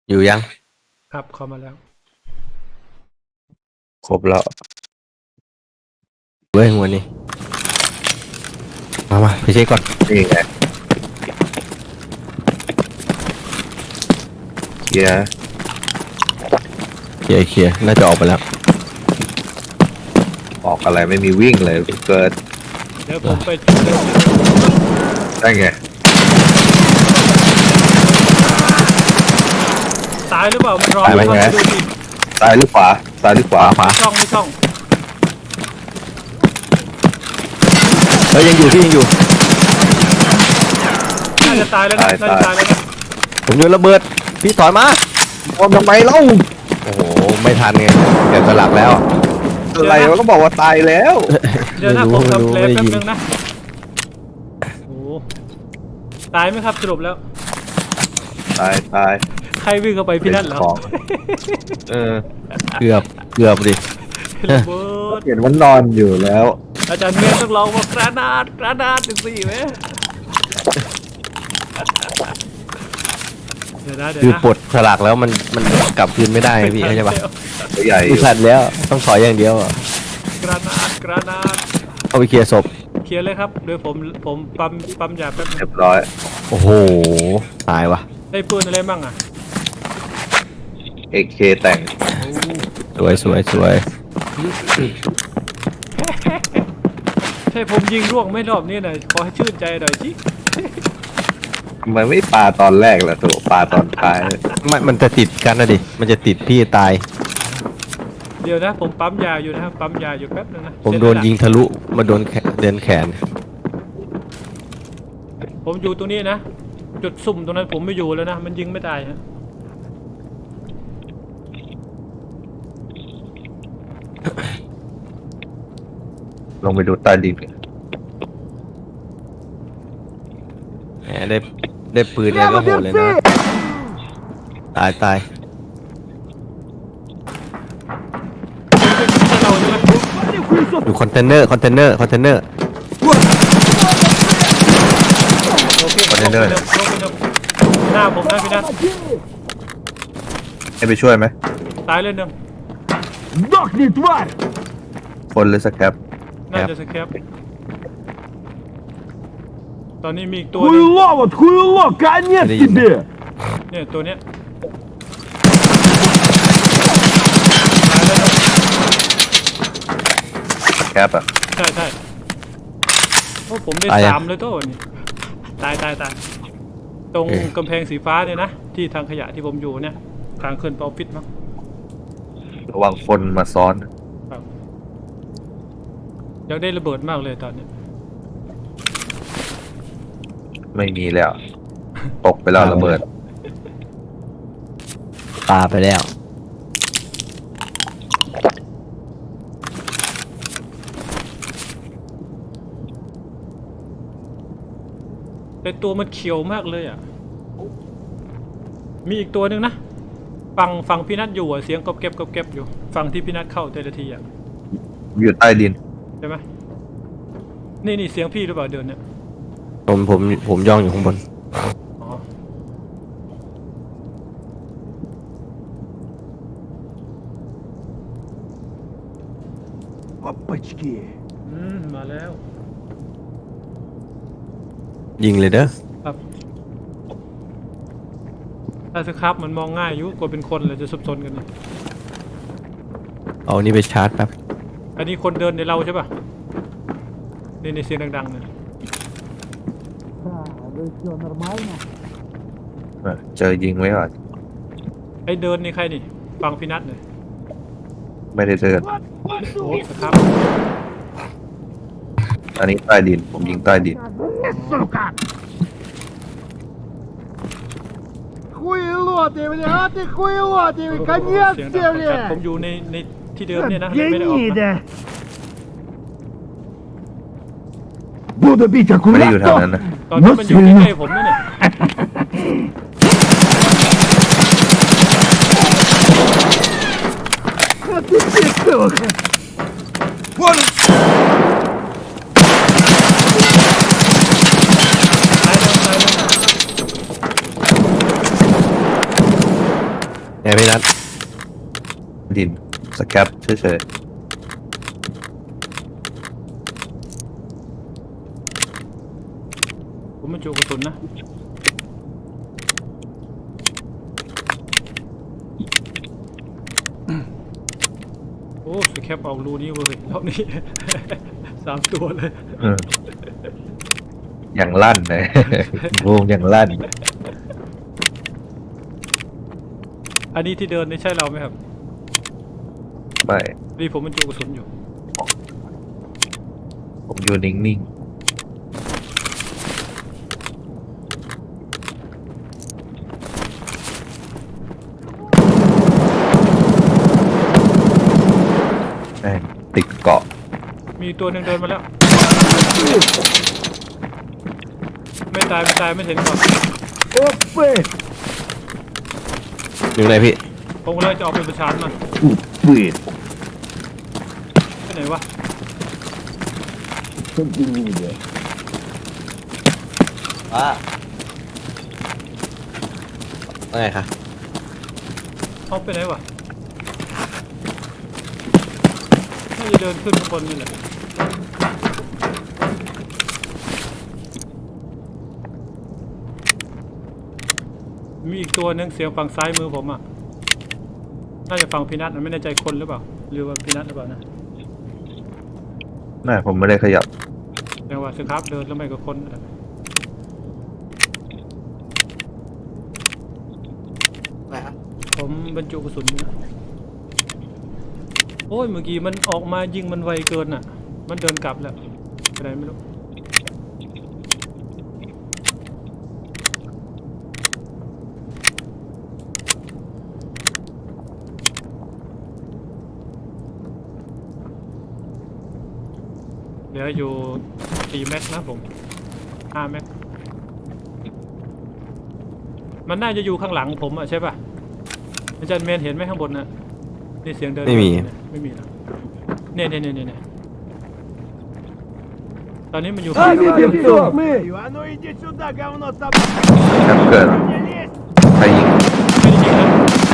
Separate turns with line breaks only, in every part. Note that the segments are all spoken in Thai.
อยู่ยัง
ครับเข้ามาแล้ว
ครบแล้วเว้ยหัวนี้มาไปเช็คก่อน
นี่ไงเคลียร์
เคลียร์น่าจะออกไปแล้ว
ออกอะไรไม่มีวิ่งเลยเกิด
เดี๋ยวผมไป
ได้ไง
ตายหรือเปล่ามันรออยู่ครับดูดิ
ซ้ายหรือขวาซ้ายหรือขวา
ขวา
ไม่ช่อง
เฮ้ยยังอยู่พี่ยังอยู่
น่าจะตายแล้วนะน่าจะตายแล้วนะ
ผมโยนระเบิดพี่ถอยมา
ทำไมเล่า
โอ้โหไม่ทันไงเดี๋ยวสลักแล้ว
อะไรวะก็บอกว่าตายแล้ว
เดี๋ยวนะผมทำเพลย์แป๊บนึงนะโอ้ตายไหมครับสรุปแล้ว
ตาย
ใครวิ่งเข้าไปพี่นั่นเหรอ
เกือบดิ
ระเบิด
เห็นว่านอนอยู่แล้ว
อาจารย์เมียต้องลองว่ากระดาษถึงสี่ไหมเดี๋ยวนะ
คือปลดสลักแล้วมันกลับคืนไม่ได้พี่เข้าใจปะ
ใหญ่
ไม่ทันแล้วต้องถอยอย่างเดียว
กระดาษ
เอาไปเคลียร์ศพ
เคลียร์เลยครับโดยผมปั๊มยาแป๊บ
เรียบร้อย
โอ้โหตายวะ
ได้ปืนอะไรบ้างอ่ะ
AK แต่ง
สวย
ใช่ผมยิงร่วงไม่รอบนี้หน่อยขอให้ชื่นใจหน่อยสิ
มันไม่ปาตอนแรกแหละตัวปาตอนท้าย
มันจะติดกันนะดิมันจะติดพี่ตาย
เดี๋ยวนะผมปั๊มยาอยู่นะครับปั๊มยาอยู่แป๊บนึงนะ
ผมโดนยิงทะลุมาโดนแขน
ผมอยู่ตรงนี้นะจุดสุ่มตรงนั้นผมไม่อยู่แล้วนะมันยิงไม่ตายฮะ
ลงไปดูใต้ดิน
แหมได้ปืนเนี่ยก็โหดเลยนะตายอยู่คอนเทนเนอร์
คอนเทนเนอร์
หน้าผมนะพี่นัท
ให้ไปช่วยไหม
ตายเลยหนึ่ง
คนหรือสแคป
น่าจะสแคปตอนนี้มีอีกตัวนึงเนี่ยตัวเนี้ย
แคปอ่ะ
ใช่โอ้ผมได้3เลยตัวนี้ตายตรงกำแพงสีฟ้าเนี่ยนะที่ทางขยะที่ผมอยู่เนี่ยทางขึ้นไปออฟฟิศมั้ง
ระวังคนมาซ้อน
อยากได้ระเบิดมากเลยตอนนี้
ไม่มีแล้วตกไปแล้วระเบิด
ปาไปแล้ว
แต่ตัวมันเขียวมากเลยอ่ะมีอีกตัวหนึ่งนะฟังพี่นัทอยู่อ่ะเสียงกบเก็บอยู่ฟังที่พี่นัทเข้าแต่ละทีอ่ะ
อยู่ใต้ดิน
ใช่ไหมนี่เสียงพี่หรือเปล่าเดินเนี่ย
ผมย่องอยู่ข้างบน
มาแล้ว
ยิงเลยเด้อ
ครับถ้าสครับมันมองง่ายอยู่กว่าเป็นคนเลยจะสับสนกันนี่
เอานี่ไปชาร์จแป๊บ
อันนี้คนเดินในเราใช่ป่ะในเสียงดังๆเนี่ย
เจอยิงไว้ก่อน
ไอเดินนี่ใครนี่ฟังพี่นัทเลย
ไม่ได้เดิน
โอ้ครับ
อันนี้ใต้ดินผมยิงใต้ดิน
ผมอยู่ในที่เดิมเนี่ยนะไม่ได้ออกนะ
ไม่ได้อยู่แถวนั้นนะ
ตอนนี้มันอยู่ใกล้ๆผมนี่เนี่ย
พี่นัท
ดินสแคปเฉย
ผมมันจุกระสุนนะโอ้สแคปออกรูนี้เว้ยรอบนี้ 3 ตัวเลย
อย่างลั่นเลย วงอย่างลั่น
อันนี้ที่เดินนี่ใช่เราไหมครับ
ไม่
นี่ผมมันจุกระสุนอยู่
ผมอยู่นิ่งๆแม่งติดเกาะ
มีตัวหนึ่งเดินมาแล้ว ไม่ตายไม่เห็นก่อน
อยู่ไหนพี่
ผมก็เลยจะออกไปประชานมัน
ปืน
ไปไหนวะ
ว่าไงคะ
เอาไปไหนวะน่าจะเดินขึ้นข้างบนนี่แหละมีอีกตัวหนึงเสียงฝั่งซ้ายมือผมอ่ะน่าจะฝั่งพีนัทมันไม่แน่ใจคนหรือเปล่าหรือว่าพีนัทหรือเปล่านะ
ไม่ผมไม่ได้ขยับ
แต่ว่าสครับเดินแล้วไม่กับคนนั่นแหละผมบรรจุกระสุนอยู่นะโอ้ยเมื่อกี้มันออกมายิงมันไวเกินอ่ะ มันเดินกลับแล้วไปไหนไม่รู้เหลืออยู่4 แม็กนะผม5 แม็กมันน่าจะอยู่ข้างหลังผมอ่ะใช่ป่ะอาจารย์เมนเห็นไหมข้างบนน่ะนี่เสียงเดินไม่มีนะเนี่ยตอนนี้มันอยู่ข้างหลัง
А ну иди сюда, говно собака!
แคปเกิด
Не лезь!
ใครยิง
ไม่ได้ยิงนะ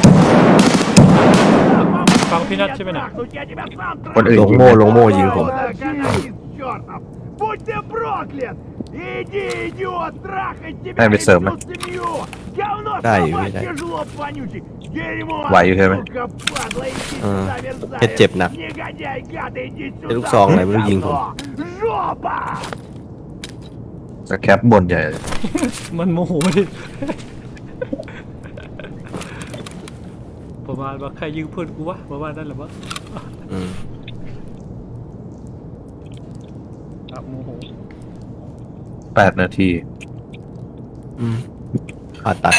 ฟังพี่นัทใช่ไหมน่ะ
Трахнуть я тебя сам
คนอื่น
หลง
ยิง
โม่หลงโม่ยิงผม
Каналист чертов! Будь ты проклят! Иди, идиот, трахать тебя
Дай
и
мне сам.
всю семью! Говно
Дай,
собачье,
дай.
жлоб вонючий! Дерьмо!
Ваю, Хеме.
Сука, падла, иди
А,
сюда,
это
мерзавец!
тепно.
Негодяй, гад, иди сюда!
Это луксong,
ты
да, мы видим.
говно! Жопа!
สแคปบนใหญ่
มันโมโหดิประมาณว่าใครยิงเพื่อนกูวะประมาณนั้นแหละวะ
อืม
ครับโมโห
8 นาที
อืมผ่าตัด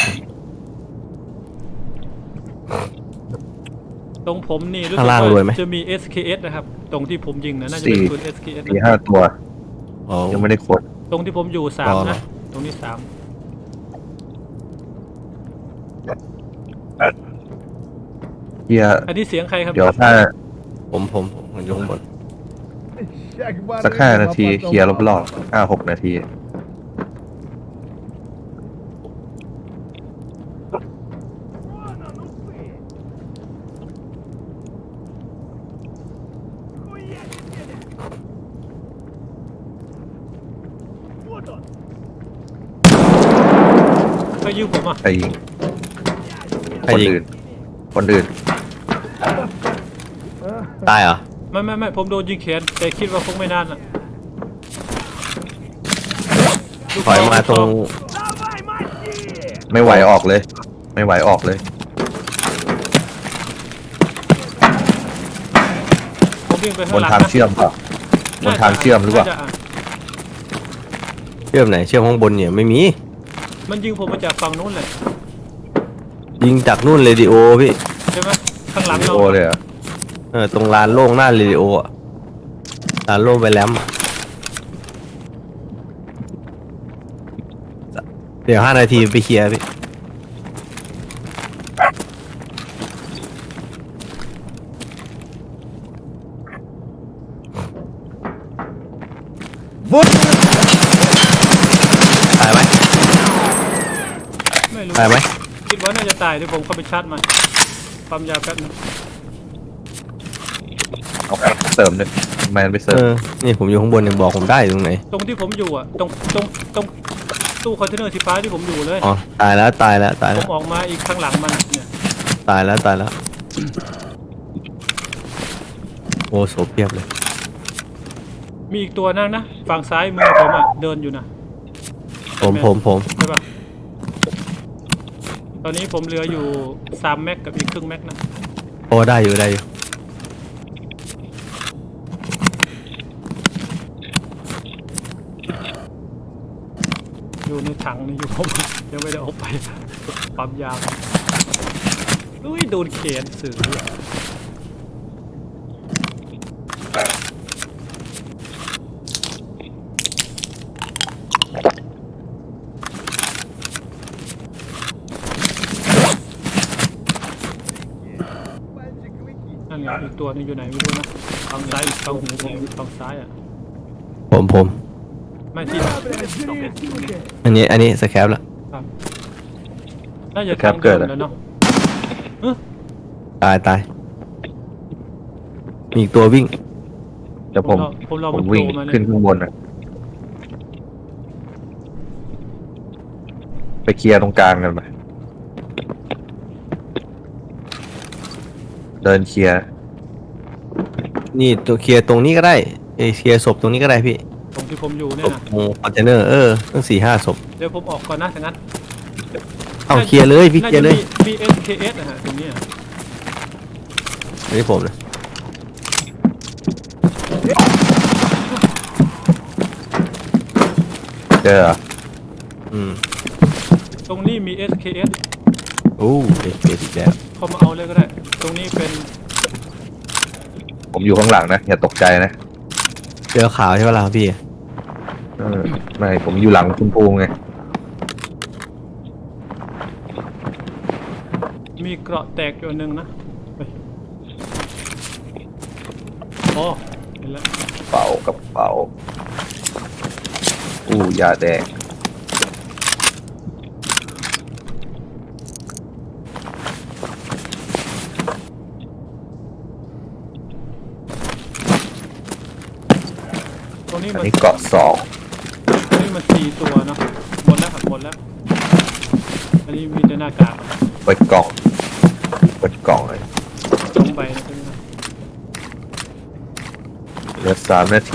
ตรงผมนี่รู้สึ
ข้างล่างรวยไหม
จะมี SKS นะครับ ตรงที่ผมยิงนะน่าจะเป็น
สี่
ปืน SKS
มี
นะ
5 ตัว
อ๋อ
ยังไม่ได้กด
ตรงที่ผมอยู่
อ๋อ
3 นะ ตรงนี้
เฮีย
3 อันนี้เสียงใครครับ
เดี๋ยวถ้า
ผมอยู่ข้างบน
สัก5 นาทีเคลียร์รอบๆ5-6 นาที
Вон он, усы! Хуяки тебе! Вот он!
ใครยิงผมอ่ะ
ใครยิง
ใคร
คน
ยิง
อื่น คนอื่น
ตายเหรอ
ไม่ผมโดนยิงแขนแต่คิดว่าคงไม่นานอ่ะลูก
ถอยมาตรง
Давай, мочи!
ไม่ไหวออกเลย ไม่ไหวออกเลย
ผมวิ่งไป
บ
ข้าง
น
หลัง
ทาง
นะ
เชื่อมเปล่าบนทางเชื่อมหรือเปล่า
น่จะะ
เชื่อมไหน เชื่อมข้างบนเนี่ยไม่มี
มันยิงผมมาจากฝั่งนู้นเลย
ยิงจากนู่นเรดิโอพี่
ใช่ไหมข้างหลัง
วิดี
เรา
โอเลยเหรอ่ะ
ตรงลานโล่งหน้าเรดิโออะลานโล่งไปแล้วอะเดี๋ยว5 นาทีไปเคลียร์พี่ ตายไหม
ไม่รู้
ตายไหม
คิดว่าน่าจะตายเดี๋ยวผมเข้าไปชาร์จมันปั๊มยาแป๊บนึง
เอาไปเสริมเลยแมนไปเสริ
เอ
ม
อนี่ผมอยู่ข้างบนยังบอกผมได้อยู่ตรงไหน
ตรงที่ผมอยู่อ่ะตรงตู้คอนเทนเนอร์สีฟ้าที่ผมอยู่เลย
อ๋อตายแล้วตายแล้วตาย
ผ
แล้ว
มออกมาอีกข้างหลังมันเนี่ย
ตายแล้วตายแล้วโอ้โสเพียบเลย
มีอีกตัวนั่นนะฝั่งซ้ายมือผมอ่ะเดินอยู่นะ
ผม
ใช่ปะตอนนี้ผมเหลืออยู่3 แม็กกับอีกครึ่งแม็กนะ
โอ้ได้อยู่ได้อยู่
อยู่ในถังนี่อยู่ผมยังไม่ได้เอาไปปั๊มยาอุ้ยโดนเขนสื่อนั่นไงอีกตัวนึงอยู่ไหนไม่รู้นะฝั่งซ้ายอีกฝั่งหูผมฝั่งซ้ายอ่ะ
ผม
ไม่ที่
อันนี้สแคปแล้ว
ครับน่าจะทางเดินแล้วเนาะ
ตายมีอีกตัววิ่ง
เดี๋ยวผม
รอ
ผ
มัน
ม
โผ
วิ่ง
ล่มา
ขึ้น
เนี่ย
ข้างบนนะไปเคลียร์ตรงกลางกันไปเดินเคลียร์
นี่ตัวเคลียร์ตรงนี้ก็ได้เคลียร์ศพตรงนี้ก็ได้พี่
ตรงที่ผมอยู่
ศ
เนี่ย
พ
นะ
คอนเทนเนอร์ตั้ง4-5ศพ
เดี๋ยวผมออกก่อนนะถ้างั้น
เอาเคลียร์เลยพี่เคลียร์เลย
มี SKS นะฮะตรงนี้อะ
อันนี้ผมนะ
เจอเหรอ
ตรงนี้มี SKS
โอ้เด็กอีกแล้ว
เข้ามาเอาเลยก็ได้ ตรงนี้เป็น
ผมอยู่ข้างหลังนะอย่าตกใจนะ
เจอขาวใช่ไหมล่ะพี่
ไม่ผมอยู่หลังคุณภูมิไง
มีเกราะแตกอยู่อันหนึ่งนะเฮ้ยอ๋อเห็นแล้ว
เป๋ากระเป๋าอู้ยาแดง
ตรงนี้
อัน
มัน
นี้เกาะ2
ตรงนี้มัน4 ตัวเนาะหมดแล้วครับหมดแล้ว อันนี้มีแต่หน้ากาก
เปิดกล่องเลย
ตรงไปนะตรงนี้นะ
เหลือ3 นาที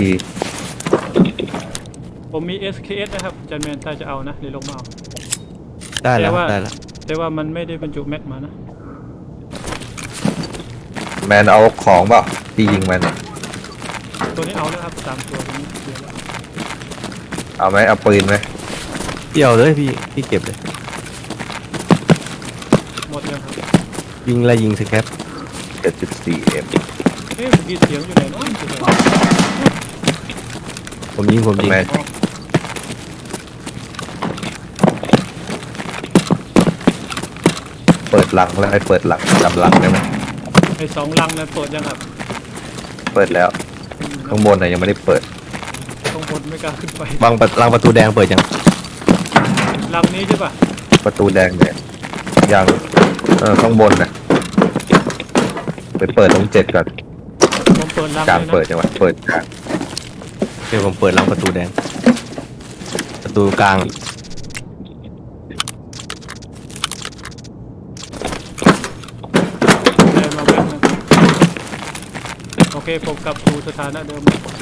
ผมมี SKS นะครับจันแมนถ้าจะเอานะเดี๋ยวลงมาเอา
ได้แล้ว
แต่ว่า
ได้แล้ว
แต่ว่ามันไม่ได้บรรจุแม็กมานะ
แมนเอาของเปล่าที่ยิงมัน
ตัวนี้เอาแล้วครับ3 ตัวตรงนี้เดี๋ยวแล้ว
เอาไหมเอาปืนไหม
พี่เอาเลยพี่เก็บเลย
หมดยังครับ
ยิงสแคป
7.4M
เอ๊ะเมื่อกี้เสียงอยู่ไหนเนาะอยู่ไหน
ผมยิง
แมน
อ๋อ
เปิดหลังแล้วให้เปิดหลังจำหลังได้ไหม
ไอ้2 ลังนั้นเปิดยังครับ
เปิดแล้วข้างบนน่ะยังไม่ได้เปิด
ข้างบนไม่กล้าขึ้นไป
รังประตูแดงเปิดยัง
ลังนี้ใช่ป่ะ
ประตูแดงเนี่ยยังข้างบนน่ะไปเปิดตรง7ก่อน
ผมเปิดลัง
กลาง
เลยนะ
เปิดจังหวะเปิดกลาง
เดี๋ยวผมเปิดรังประตูแดง ประตูกลาง
เดินมาแป๊บนึงโอเคผมกลับสู่สถานะเดิม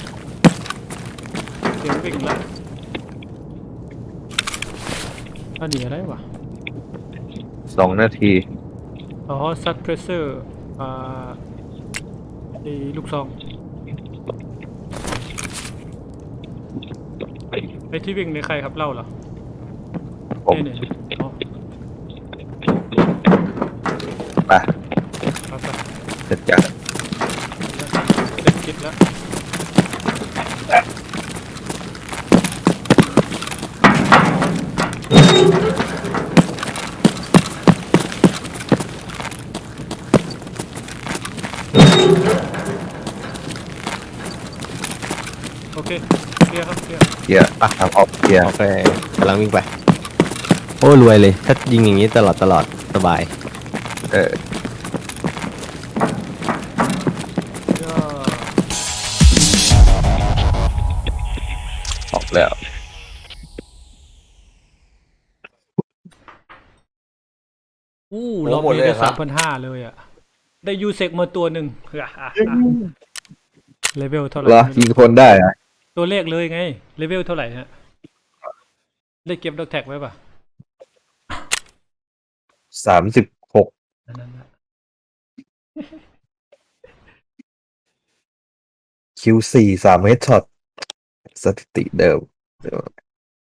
เสียงวิ่งแล้วอันนี้อะไรวะ
2 นาที
อ๋อซัดเพรสเซอร์ไอ้ลูกซองไอ้ที่วิ่งในใครครับเล่าเหรอ
ผม
เนี่ยอ๋อ
ไป
เอาไป
เสร็จจาก
เด็กคิดแล้ว โอเคเคลียร์ครับเคลียร์
เกียร์ทำออกเกียร์
โอเคกำลังวิ่งไป โอ้รวยเลย ถ้ายิงอย่างนี้ตลอดสบาย
เออแล้ว
รอบนี้ได้3,500เลยอ่ะ ได้ยูเซกมาตัวหนึ่งเลเวลเท่าไหร่
เหรอ
ไม่
ยิง
รู้
คนได้อะ
ตัวเลขเลยไง เลเวลเท่าไหร่ฮะ ได้เก็บดอกแท็กไว้ป่ะ
36
อันนั้นนะ
Q4 3 เฮดช็อตสถิติเดิม